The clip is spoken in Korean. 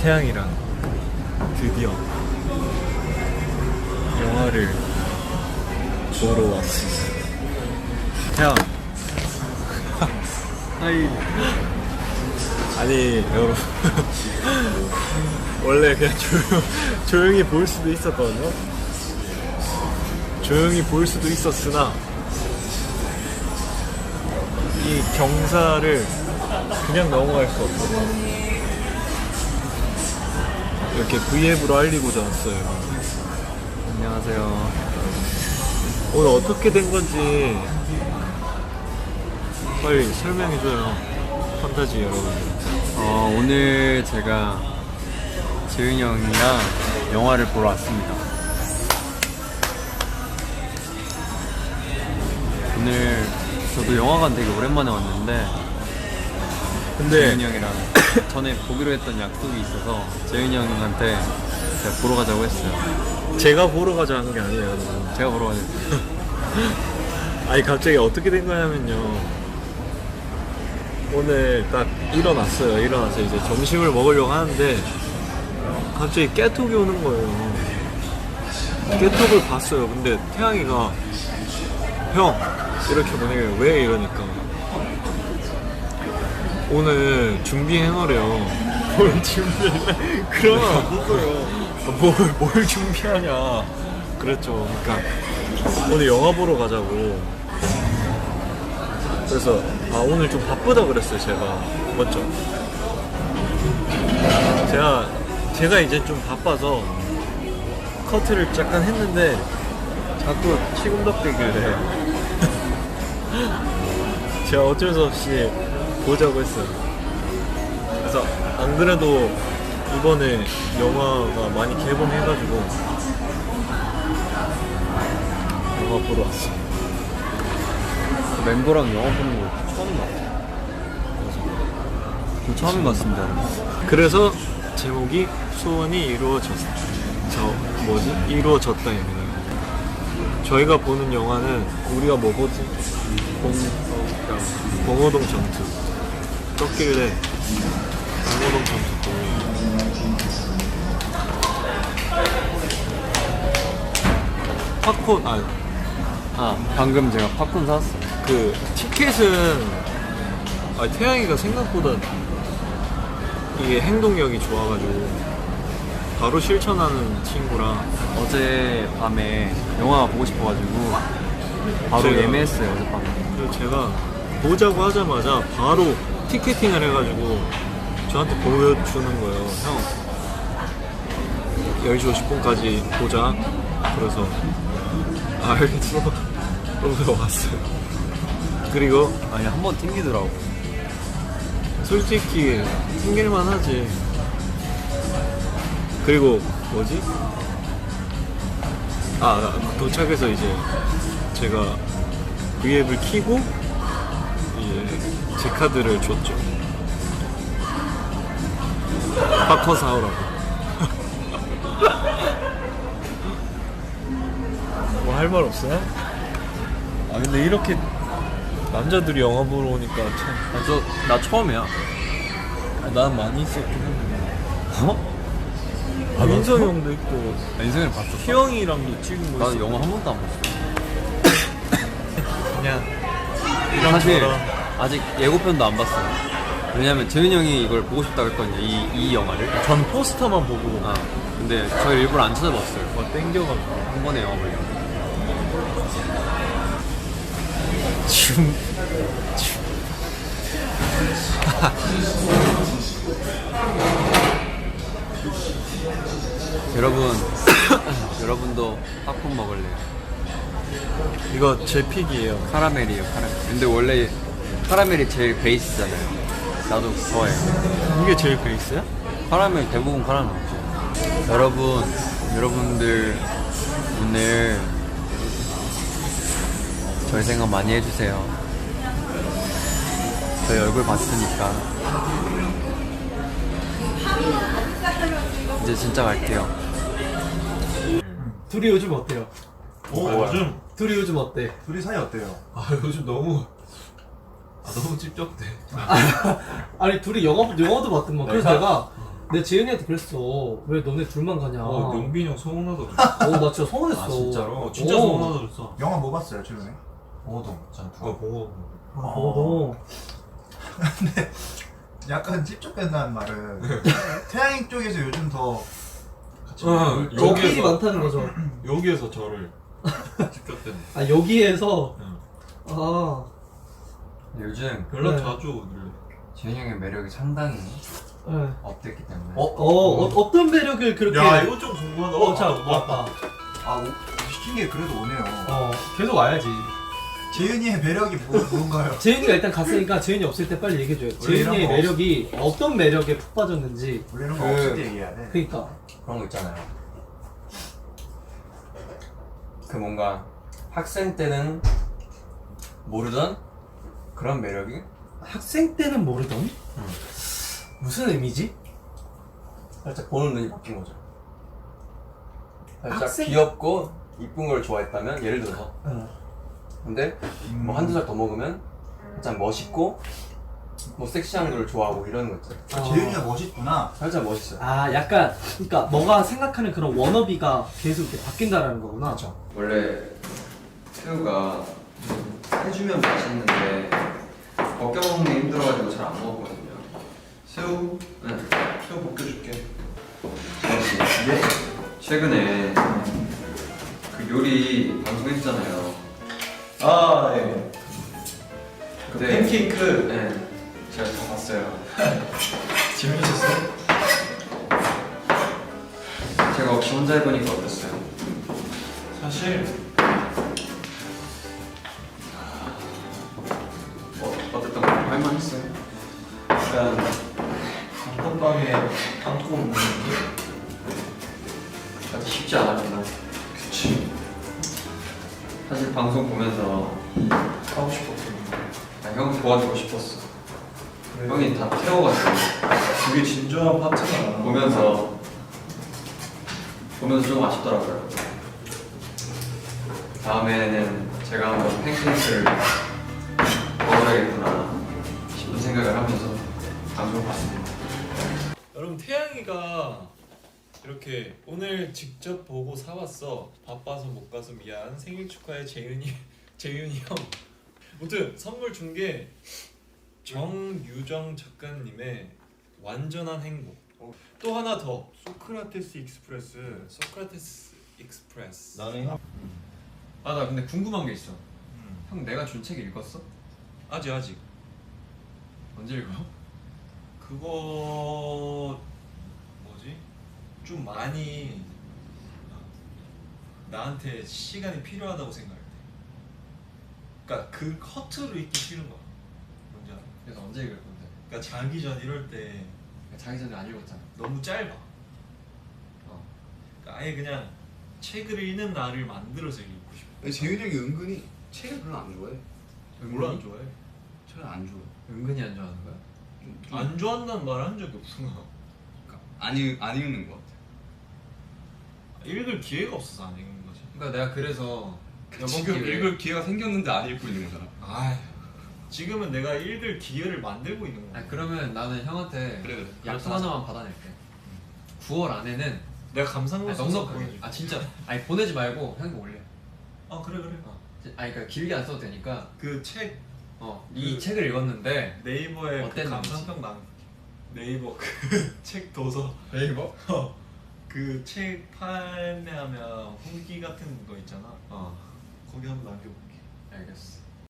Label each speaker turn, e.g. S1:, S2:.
S1: 태양이랑 드디어 영화를 보러 왔습니다. 태양. 하이. 아니 여러분 원래 그냥 조용히 볼 수도 있었거든요. 조용히 볼 수도 있었으나 이 경사를 그냥 넘어갈 수 없어서 이렇게 V앱으로 알리고자 왔어요. 안녕하세요. 오늘 어떻게 된 건지 빨리 설명해줘요. 판타지 여러분.
S2: 오늘 제가 재윤이 형이랑 영화를 보러 왔습니다. 오늘 저도 영화관 되게 오랜만에 왔는데
S1: 근데
S2: 재윤이 형이랑 전에 보기로 했던 약속이 있어서 재윤이 형한테 제가 보러 가자고 했어요.
S1: 제가 보러 가자 하는 게 아니에요 여러분.
S2: 제가 보러 가자고 했어요.
S1: 아니 갑자기 어떻게 된 거냐면요, 오늘 딱 일어났어요. 일어나서 이제 점심을 먹으려고 하는데 갑자기 깨톡이 오는 거예요. 깨톡을 봤어요. 근데 태양이가 형 이렇게 보내요. 왜 이러니까 오늘 준비해놓으래요. 뭘 준비해? 그러면 안 됐어요. 뭘 준비하냐 그랬죠. 그러니까 오늘 영화 보러 가자고. 그래서 오늘 좀 바쁘다 그랬어요. 제가 맞죠? 제가 이제 좀 바빠서 커트를 잠깐 했는데 자꾸 치금덕대길래 제가 어쩔 수 없이 보자고 했어요. 그래서 안 그래도 이번에 영화가 많이 개봉해가지고 영화 보러 왔어요.
S2: 멤버랑 영화 보는 거 처음인 것 같아요. 저 처음인 것 같습니다.
S1: 그래서 제목이 소원이 이루어졌다입니다. 저희가 보는 영화는 우리가 뭐 보지? 봉호동 전투 떴길래 봉호동 전투 보고 팝콘
S2: 방금 제가 팝콘 사왔어요.
S1: 그 티켓은 태양이가 생각보다 이게 행동력이 좋아가지고 바로 실천하는 친구라
S2: 어제 밤에 영화 보고 싶어가지고 바로
S1: 제가-
S2: 예매했어요. 어젯밤에.
S1: 그래서 제가 보자고 하자마자 바로 티켓팅을 해가지고 저한테 보여주는 거예요. 형 10시 50분까지 보자. 그래서 알겠어. 그러면서 왔어요. 그리고
S2: 아니 한 번 튕기더라고.
S1: 솔직히 튕길만 하지. 그리고 뭐지? 도착해서 이제 제가 V앱을 키고 이제 제 카드를 줬죠. 팝콘 사오라고. 뭐 할 말 없어요? 근데 이렇게 남자들이 영화 보러 오니까 참.
S2: 나 처음이야.
S1: 난 많이 있었긴 했는데.
S2: 어?
S1: 민성이 형도 있고
S2: 인생을 봤어.
S1: 희영이랑도 찍은 거
S2: 나는
S1: 있어.
S2: 영화 한 번도 안 봤어.
S1: 그냥
S2: 사실
S1: 저런.
S2: 아직 예고편도 안 봤어요. 왜냐면 재윤이 형이 이걸 보고 싶다고 했거든요. 이 영화를.
S1: 전 포스터만 보고
S2: 근데 저희 일부러 안 찾아봤어요.
S1: 땡겨가지고
S2: 한 번에 영화 보려고.
S1: 지금
S2: 여러분도 팝콘 먹을래요?
S1: 이거 제 픽이에요.
S2: 카라멜이에요, 카라멜. 근데 원래 카라멜이 제일 베이스잖아요. 나도 좋아해요.
S1: 이게 제일 베이스야?
S2: 카라멜, 대부분 카라멜 먹죠. 여러분들 오늘 저희 생각 많이 해주세요. 저희 얼굴 봤으니까. 이제 진짜 갈게요.
S3: 둘이 요즘 어때요?
S1: 요즘
S3: 둘이 요즘 어때?
S4: 둘이 사이 어때요?
S1: 요즘 너무 너무 찝쩍대.
S3: 아니 둘이 영화도 봤더만. 그래서
S4: 네.
S3: 내가 내 재윤이한테 그랬어. 왜 너네 둘만 가냐.
S1: 영빈이 형 서운하다 그랬어.
S3: 나 진짜 서운했어.
S2: 아, 진짜로?
S1: 진짜 서운하다 그랬어.
S4: 영화 뭐 봤어요 최근에?
S2: 봉호동 전
S1: 누가 보고
S3: 너.
S4: 약간 찝쩍댄다는 말은 태양인 쪽에서 요즘 더 같이
S3: 적끼리 많다는 거죠.
S1: 여기에서 저를 직접된.
S3: 아 여기에서.
S1: 응.
S3: 아.
S2: 요즘
S1: 연락
S3: 네.
S1: 자주 오길래.
S2: 재윤이 형의 매력이 상당히
S3: 네.
S2: 업됐기 때문에
S3: 어떤 매력을 그렇게.
S1: 야 이거 좀 궁금하다.
S3: 자, 왔다.
S4: 시킨 게 그래도 오네요.
S3: 계속 와야지.
S4: 재윤이의 매력이 뭔가요?
S3: 재윤이가 일단 갔으니까 재윤이 없을 때 빨리 얘기해줘요.
S4: 원래 이런
S3: 재윤이의
S4: 거
S3: 매력이 어떤 매력에 푹 빠졌는지.
S4: 원래는 거 없을 때 얘기해야 돼.
S3: 그니까.
S2: 그런 거 있잖아요. 그 뭔가 학생 때는 모르던 그런 매력이
S3: 학생 때는 모르던? 무슨 의미지?
S2: 살짝 보는 눈이 바뀐 거죠. 살짝
S3: 학생-
S2: 귀엽고 이쁜 걸 좋아했다면 예를 들어서 근데 뭐 한두 살 더 먹으면 살짝 멋있고 뭐 섹시한 걸 좋아하고 이런 거 있잖아요.
S4: 재윤이가 멋있구나.
S2: 살짝 멋있어요.
S3: 아 약간 그러니까 너가 생각하는 그런 워너비가 계속 이렇게 바뀐다라는 거구나.
S2: 그렇죠. 원래 새우가 해주면 맛있는데 벗겨 먹는 게 힘들어가지고 잘 안 먹거든요. 새우? 네. 새우 벗겨줄게. 네? 최근에 그 요리 방송했잖아요.
S4: 아 네.
S2: 근데
S4: 팬케이크.
S2: 네. 제가 다 봤어요.
S4: 재밌었어요?
S2: 제가 없이 혼자 해보니까 어땠어요?
S4: 사실
S2: 어땠던 거 할만했어요?
S4: 약간 단팥빵에 담고 먹는 게
S2: 아주 쉽지 않았구나.
S4: 그치.
S2: 사실 방송 보면서
S4: 하고 싶었거든.
S2: 형 도와주고 싶었어.
S4: 그래.
S2: 형이 다 태워가지고
S4: 그게 진정한 파트너야.
S2: 보면서 좀 아쉽더라고요. 다음에는 제가 한번 팬케이크를 먹어야겠구나 싶은 생각을 하면서 방송을 봤습니다.
S1: 여러분 태양이가 이렇게 오늘 직접 보고 사왔어. 바빠서 못 가서 미안. 생일 축하해 재윤이 형. 아무튼 선물 준 게 정유정 작가님의 완전한 행복. 또 하나 더 소크라테스 익스프레스.
S4: 나는
S2: 아 나 근데 궁금한 게 있어. 형 내가 준 책 읽었어?
S1: 아직
S2: 언제 읽어?
S1: 그거 뭐지? 좀 많이 나한테 시간이 필요하다고 생각해. 그러니까 그 허투루 읽기 싫은 거야. 뭔지 알아?
S2: 그래서 언제 읽을 건데?
S1: 그러니까 자기 전 이럴 때
S2: 자기 전에 안 읽었잖아.
S1: 너무 짧아. 그러니까 아예 그냥 책을 읽는 날을 만들어서 읽고 싶어.
S5: 재윤이 형이 은근히 책을 별로 안 좋아해.
S1: 몰라 안 좋아해.
S5: 책을 안 좋아해.
S2: 은근히 안 좋아하는 거야?
S1: 안 좋아한다는 말 한 적이 없어.
S5: 그러니까 안 읽는 것 같아.
S1: 읽을 기회가 없어서 안 읽는 거지.
S2: 그러니까 내가 그래서
S5: 지금
S2: 기회에-
S5: 읽을 기회가 생겼는데 안 읽고 있는 거잖아.
S1: 아, 지금은 내가 읽을 기회를 만들고 있는 거야.
S2: 아니, 그러면 나는 형한테
S5: 그래.
S2: 약속 하나만 받아낼게. 9월 안에는
S1: 내가 감상문 써서
S2: 넉넉하게.
S1: 보내줄게.
S2: 아 진짜. 아니 보내지 말고 형이 올려.
S1: 아 그래.
S2: 아니 그러니까 길게 안 써도 되니까.
S1: 그 책
S2: 이 책을 읽었는데
S1: 네이버에 그
S2: 어땠는지.
S1: 감상평 남. 네이버 그 책 도서
S2: 네이버?
S1: 그 책 판매하면 후기 같은 거 있잖아. 거기 한번 남겨볼게.
S2: 알겠어.